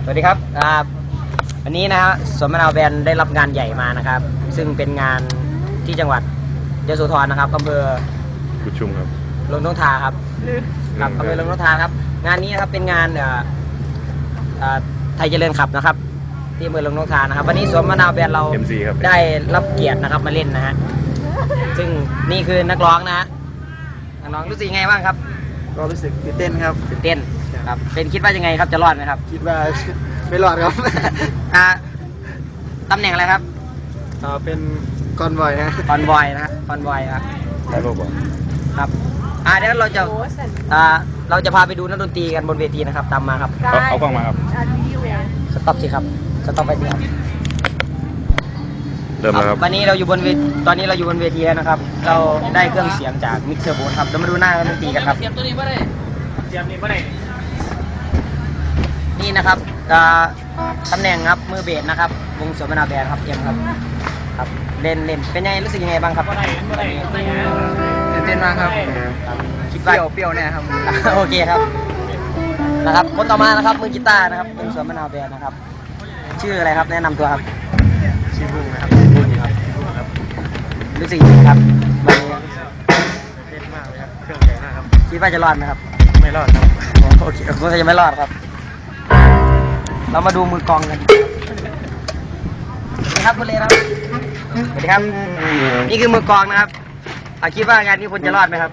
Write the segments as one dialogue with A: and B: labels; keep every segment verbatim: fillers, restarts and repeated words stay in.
A: สวัสดีครับวันนี้นะฮะสวนมะนาวแบนได้รับงานใหญ่มานะครับซึ่งเป็นงานที่จังหวัดยโสธรนะครับอำเภอ
B: กุชุมครับ
A: ลงท้องทาครับครับอำเภอลงท้องทาครับงานนี้นะครับเป็นงานไทยเจริญขับนะครับที่อำเภอลงท้องทานะครับวันนี้สวนมะนาวแบนเราได้รับเกียรตินะครับมาเล่นนะฮะซึ่งนี่คือนักร้องนะฮะนักร้องรู้สึกยังไงบ้างครับ
C: ก็รู้สึกตื่นเต้นครับ
A: ตื่นเต้นครับเป็นคิดว่ายังไงครับจะรอดไหมครับ
C: คิดว่าไม่รอดครับ
A: อ่าตำแหน่งอะไรครับ
C: อ่าเป็นคอนวอยฮะ
A: คอนวอยนะคอนวอยครับ
B: ได้บอกว่า
A: ครับอ่าเดี๋ยวเราจะอ่าเราจะพาไปดูนักดนตรีกันบนเวทีนะครับตามมาครับ
B: เอากล้องมาครับ
A: สต็อปสิครับสต็อปไปสิครับ
B: เริ่มแล้วครับ
A: วันนี้เราอยู่บนเวทีตอนนี้เราอยู่บนเวทีแล้วนะครับเราได้เครื่องเสียงจากมิกเซอร์โบนครับเรามาดูหน้านักดนตรีกันครับเสียบตัวนี้ไม่ได้เสียบนี้ไม่ได้นี่นะครับตำแหน่งครับมือเบสนะครับวงสวนมะนาวแบนครับเอ็มครับครับเล่นเล่นเป็นยังไงรู้สึกยังไงบ้างครับ
C: ตื่นเต้นมากครับคิดเปรี้ยวเปรี้ยวแน่ครับ
A: โอเคครับนะครับคนต่อมานะครับมือกีตาร์นะครับวงสวนมะนาวแบนนะครับชื่ออะไรครับแนะนำตัวครับ
C: ชื่อบุ้งนะครับ
A: บุ้งครับรู้สึกยังไงครับวันนี้
C: เต้นมากเลยครับเครื่องใหญ่มากครับ
A: คิดว่าจะรอดไหมครับ
C: ไม่รอดครับ
A: โอเคผมจะไม่รอดครับเรามาดูมือกองกันสวัสดีครับคุณเลครับสวัสดีครับนี่คือมือกองนะครับคิดว่างานนี้คุณจะรอดไหมครับ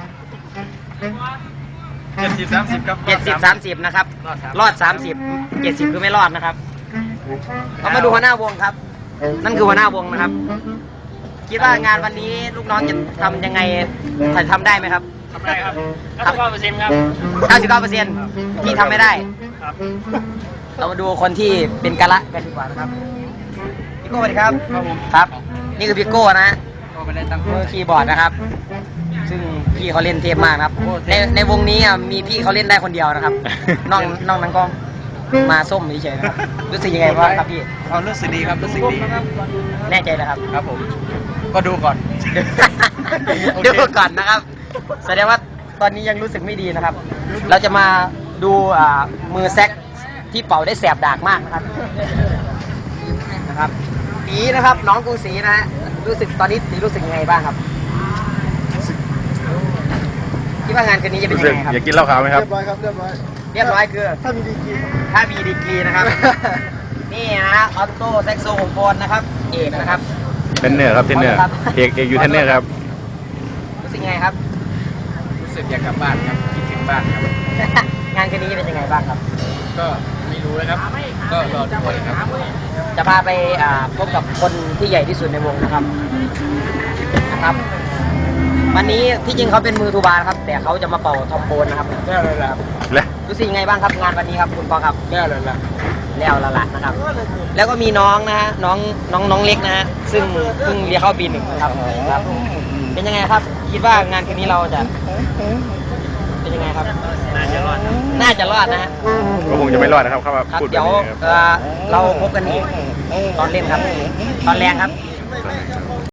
C: เจ็ดสิบสามสิบครับ
A: เจ็ดสิบสามสิบนะครับรอดสามสิบเจ็ดสิบคือไม่รอดนะครับเรามาดูหัวหน้าวงครับนั่นคือหัวหน้าวงนะครับคิดว่างานวันนี้ลูกน้องจะทำยังไงจะทำได้ไหมครับ
C: ทำได้ครับเก้าสิบเก้าเปอร์เซ็นต์ครับ
A: เก้าสิบเก้าเปอร์เซ็นต์ที่ทำไม่ได้
C: ครับ
A: เรามาดูคนที่เป็นกะละกันดีกว่านะครับพี่โก้สวัสดีครับ
C: ครับผม
A: ครับนี่คือพี่โก้นะ
C: ก็ไม่ได้ตั้ง
A: มือคีย์บอร์ดนะครับซึ่งพี่เขาเล่นเทพมากครับในในวงนี้มีพี่เขาเล่นได้คนเดียวนะครับน้องน้องนั้นก็มาส้มเฉยๆนะครับรู้สึกยังไงบ้างครับพี่
C: เขารู้สึกดีครับรู้สึกดี
A: แน่ใจเลยครับ
C: ครับผมก็ดูก่อน
A: ดูก่อนนะครับแสดงว่าตอนนี้ยังรู้สึกไม่ดีนะครับเราจะมาดูมือแซกที่เป่าได้แสบดากมากนะครับนะครับสีนะครับน้องกรุงศรีนะฮะรู้สึกตอนนี้สีรู้สึกยังไงบ้างครับคิดว่างานคืนนี้จะเป็นยังไงครับ
B: อยากกินเหล้าขาวไหมครับ
C: เรียบร้อยครับเรียบร้อย
A: เรียบร้อยคือ
C: ถ้ามีดีกรี
A: ถ้ามีดีกรีนะครับนี่นะฮะออโต้แซกโซโฟนนะครับเอกนะครับ
B: เทนเนอร์ครับเทนเนอร์เอกเอกอยู่เทนเนอร์ครับ
A: รู้สึกยังไงครับ
C: รู้สึกอยากกลับบ้านครับคิดถึงบ้านครับ
A: งานคืนนี้เป็นยังไงบ้างครับ
C: ก็ไม่รู้นะครับก็รอดูก่อนครับ
A: จะพาไปพบกับคนที่ใหญ่ที่สุดในวงนะครับนะครับวันนี้ที่จริงเขาเป็นมือทูบาร์ครับแต่เขาจะมาเป่าทอมโบนนะครับ
C: แน่เลยล่ะ
B: แล้ว
A: รู้สึกยังไงบ้างครับงานวันนี้ครับคุณปอครับ
C: แน่เลยล่ะ
A: แล้วละละนะครับแล้วก็มีน้องนะฮะน้องน้องน้องเล็กนะฮะซึ่งเพิ่งเรียนเข้าปีหนึ่งนะครับครับเป็นยังไงครับคิดว่างานคืนนี้เราจะเป็นยังไงครับ
C: น่าจะรอด
A: น่าจะรอดนะฮะ
B: ก็คงจะไม่รอดนะครับครับ
A: พูดเดี๋ยวเราพบกันอีกตอนเล่นครับตอนแรงครับ